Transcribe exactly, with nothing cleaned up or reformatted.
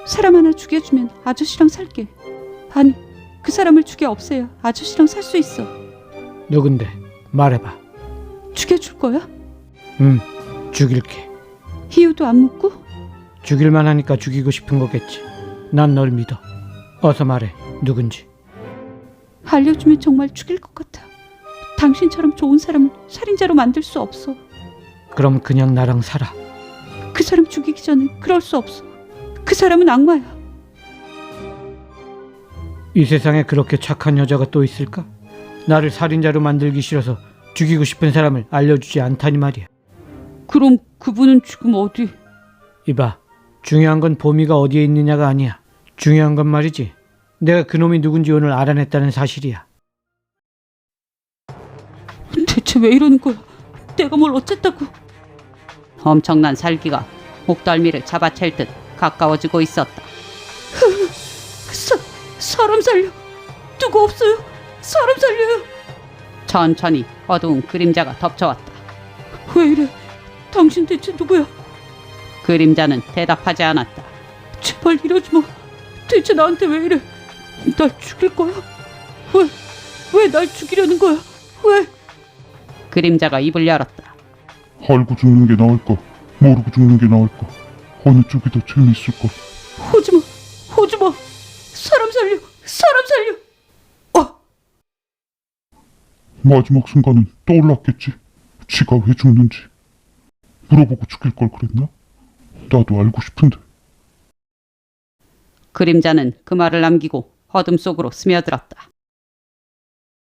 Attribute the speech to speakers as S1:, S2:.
S1: 사람 하나 죽여주면 아저씨랑 살게. 아니, 그 사람을 죽여 없애야 아저씨랑 살 수 있어.
S2: 누군데? 말해봐.
S1: 죽여줄 거야?
S2: 응, 죽일게.
S1: 이유도 안 묻고?
S2: 죽일만 하니까 죽이고 싶은 거겠지. 난 널 믿어. 어서 말해, 누군지.
S1: 알려주면 정말 죽일 것 같아. 당신처럼 좋은 사람을 살인자로 만들 수 없어.
S2: 그럼 그냥 나랑 살아.
S1: 그 사람 죽이기 전에 그럴 수 없어. 그 사람은 악마야.
S2: 이 세상에 그렇게 착한 여자가 또 있을까? 나를 살인자로 만들기 싫어서 죽이고 싶은 사람을 알려주지 않다니 말이야.
S1: 그럼 그분은 지금 어디?
S2: 이봐, 중요한 건 보미가 어디에 있느냐가 아니야. 중요한 건 말이지, 내가 그놈이 누군지 오늘 알아냈다는 사실이야.
S1: 대체 왜 이러는 거야? 내가 뭘 어쨌다고? 엄청난 살기가 목덜미를 잡아챌 듯 가까워지고 있었다. 사, 사람 살려. 누구 없어요? 사람 살려요. 천천히 어두운 그림자가 덮쳐왔다. 왜 이래? 당신 대체 누구야? 그림자는 대답하지 않았다. 제발 이러지 마. 대체 나한테 왜 이래? 날 죽일 거야? 왜? 왜 날 죽이려는 거야? 왜? 그림자가 입을 열었다.
S3: 알고 죽는 게 나을까? 모르고 죽는 게 나을까? 어느 쪽이 더 재미있을까?
S1: 오지마, 오지마. 사람 살려, 사람 살려. 어.
S3: 마지막 순간은 떠올랐겠지. 지가 왜 죽는지. 물어보고 죽일 걸 그랬나? 나도 알고 싶은데.
S1: 그림자는 그 말을 남기고 어둠 속으로 스며들었다.